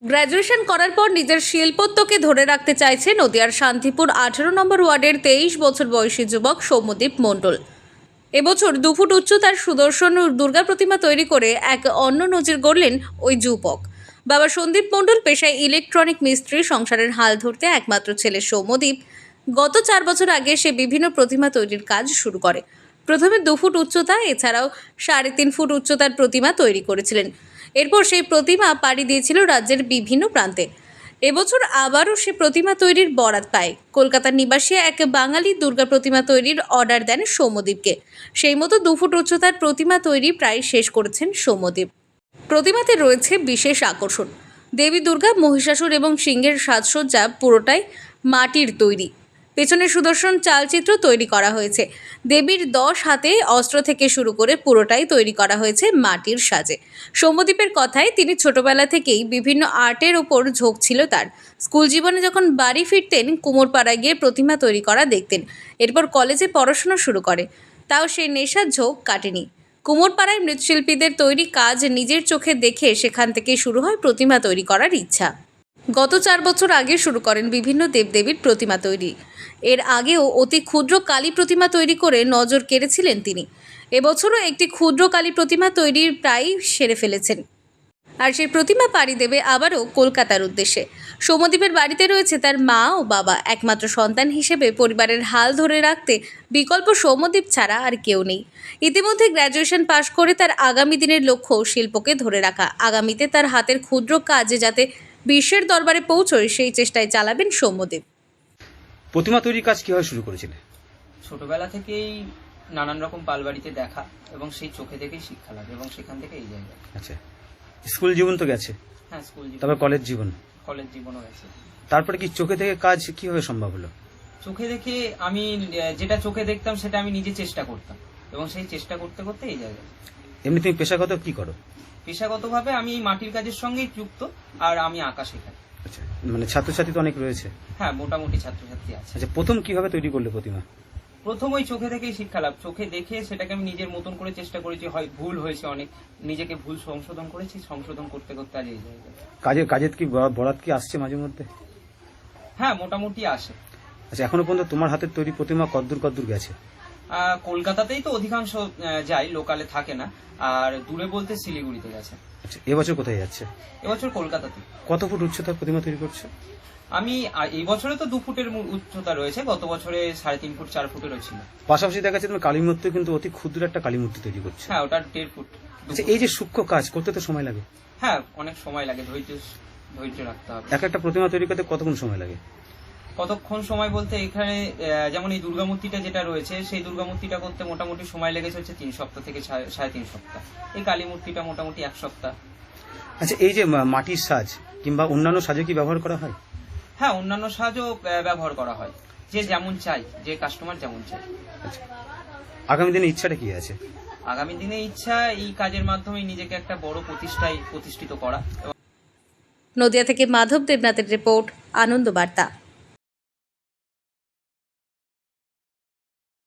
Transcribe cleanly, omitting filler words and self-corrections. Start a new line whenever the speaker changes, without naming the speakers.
Graduation করার পর নিজের শিল্পত্বকে ধরে রাখতে চাইছে নদিয়ার শান্তিপুর 18 নম্বর ওয়ার্ডের 23 বছর বয়সী যুবক সৌম্যদীপ মণ্ডল। এবছর 2 ফুট উচ্চতার সুদর্শন দুর্গা প্রতিমা তৈরি করে এক অন্য নজির গড়লেন ওই যুবক। বাবা সন্দীপ মণ্ডল পেশায় ইলেকট্রনিক মিস্ত্রি, সংসারের হাল ধরতে একমাত্র ছেলে সৌম্যদীপ গত 4 বছর আগে সে বিভিন্ন প্রতিমা তৈরির কাজ শুরু করে। প্রথমে 2 ফুট উচ্চতা, এছাড়াও 3.5 ফুট উচ্চতার প্রতিমা তৈরি করেছিলেন। এরপর সেই প্রতিমা পাড়ি দিয়েছিল রাজ্যের বিভিন্ন প্রান্তে। এবছর আবারও সে প্রতিমা তৈরির বরাত পায়। কলকাতার নিবাসী এক বাঙালি দুর্গা প্রতিমা তৈরির অর্ডার দেন সৌম্যদীপকে। সেই মতো 2 ফুট উচ্চতার প্রতিমা তৈরি প্রায় শেষ করেছেন সৌম্যদীপ। প্রতিমাতে রয়েছে বিশেষ আকর্ষণ। দেবী দুর্গা, মহিষাসুর এবং সিংহের সাজসজ্জা পুরোটাই মাটির তৈরি। পেছনে সুদর্শন চালচিত্র তৈরি করা হয়েছে। দেবীর 10 হাতে অস্ত্র থেকে শুরু করে পুরোটাই তৈরি করা হয়েছে মাটির সাজে। সৌম্যদীপের কথায় তিনি ছোটবেলা থেকেই বিভিন্ন আর্টের ওপর ঝোঁক ছিল তার। স্কুল জীবনে যখন বাড়ি ফিরতেন, কুমোরপাড়ায় গিয়ে প্রতিমা তৈরি করা দেখতেন। এরপর কলেজে পড়াশোনা শুরু করে, তাও সেই নেশার ঝোঁক কাটেনি। কুমোরপাড়ায় মৃৎশিল্পীদের তৈরি কাজ নিজের চোখে দেখে সেখান থেকে শুরু হয় প্রতিমা তৈরি করার ইচ্ছা। গত 4 বছর আগে শুরু করেন বিভিন্ন দেবদেবীর প্রতিমা তৈরি। এর আগেও অতি ক্ষুদ্র কালী প্রতিমা তৈরি করে নজর কেড়েছিলেন তিনি। এবছরও একটি ক্ষুদ্র কালী প্রতিমা তৈরির প্রায় সেরে ফেলেছেন। আর সেই প্রতিমা পাড়ি দেবে আবারও কলকাতার উদ্দেশ্যে। সৌম্যদীপের বাড়িতে রয়েছে তার মা ও বাবা। একমাত্র সন্তান হিসেবে পরিবারের হাল ধরে রাখতে বিকল্প সৌম্যদীপ ছাড়া আর কেউ নেই। ইতিমধ্যে গ্র্যাজুয়েশন পাশ করে তার আগামী দিনের লক্ষ্য শিল্পকে ধরে রাখা। আগামীতে তার হাতের ক্ষুদ্র কাজে যাতে বিশ্বের দরবারে পৌঁছয়, সেই চেষ্টায় চালাবেন সৌম্যদীপ।
প্রতিমা তৈরির কাজ কিভাবে শুরু করেছিলে?
ছোটবেলা থেকেই নানান রকম পালবাড়িতে দেখা এবং সেই চোখে দেখেই শিক্ষা লাগে এবং সেখান থেকে এই জায়গায়।
আচ্ছা, স্কুল জীবন তো গেছে,
হ্যাঁ স্কুল জীবন,
তারপর কলেজ জীবন,
কলেজ জীবনও গেছে।
তারপরে কি চোখে থেকে কাজ কিভাবে সম্ভব হলো?
চোখে দেখে আমি যেটা চোখে দেখতাম সেটা আমি নিজে চেষ্টা করতাম এবং সেই চেষ্টা করতে করতে এই জায়গায়।
এমনি তুমি পেশাগত কি করো?
পেশাগতভাবে আমি এই মাটির কাজের সঙ্গেই যুক্ত, আর আমি আঁকা শেখাই।
আচ্ছা, মানে ছাত্রছাত্রী তো অনেক রয়েছে।
হ্যাঁ, মোটামুটি ছাত্রছাত্রী আছে।
আচ্ছা, প্রথম কিভাবে তৈরি করলে প্রতিমা?
প্রথম ওই চোখে দেখেই শিক্ষা লাভ। চোখে দেখে সেটাকে আমি নিজের মতন করে চেষ্টা করেছি। হয় ভুল হয়েছে অনেক, নিজেকে ভুল সংশোধন করেছি, সংশোধন করতে করতে আজ এই জায়গায়।
কাজের কি বরাত কি আসছে মাঝে মধ্যে?
হ্যাঁ, মোটামুটি আসে।
আচ্ছা, এখনো পর্যন্ত তোমার হাতের তৈরি প্রতিমা কদ্দূর গেছে?
কলকাতাতেই তো অধিকাংশ যাই, লোকালে থাকে না। আর দূরে বলতে শিলিগুড়িতে গেছে।
আচ্ছা, এবছর কোথায় যাচ্ছে?
এবছর কলকাতাতে।
কত ফুট উচ্চতার প্রতিমা তৈরি করছো?
আমি এই বছরে তো 2 ফুটের উচ্চতা রয়েছে, গত বছরে 3.5 ফুট 4 ফুটেরও ছিল।
পাশাপাশি দেখা যাচ্ছে তুমি কালী মূর্তি, কিন্তু অতি ক্ষুদ্র একটা কালী মূর্তি তৈরি করছো।
হ্যাঁ, ওটা 1.5 ফুট।
আচ্ছা, এই যে সূক্ষ্ম কাজ করতে তো সময় লাগে?
হ্যাঁ, অনেক সময় লাগে, ধৈর্য রাখতে হবে।
একটা প্রতিমা তৈরি করতে কতক্ষণ সময় লাগে?
কতক্ষণ সময় বলতে এখানে যেমন এই দুর্গা মূর্তিটা যেটা রয়েছে, সেই দুর্গা মূর্তিটা করতে মোটামুটি সময় লেগেছে হচ্ছে 3 সপ্তাহ থেকে 3.5 সপ্তাহ। এই কালী মূর্তিটা মোটামুটি 1 সপ্তাহ।
আচ্ছা, এই যে মাটির সাজ কিংবা অন্যান্য সাজে কি ব্যবহার করা হয়?
হ্যাঁ, অন্যান্য সাজও ব্যবহার করা হয়, যে যেমন চাই, যে কাস্টমার যেমন চাই।
আচ্ছা, আগামী দিনে ইচ্ছাটা কি আছে?
আগামী দিনে ইচ্ছা এই কাজের মাধ্যমে নিজেকে একটা বড় প্রতিষ্ঠিত করা।
নদিয়া থেকে মাধব দেবনাথের রিপোর্ট, আনন্দ বার্তা।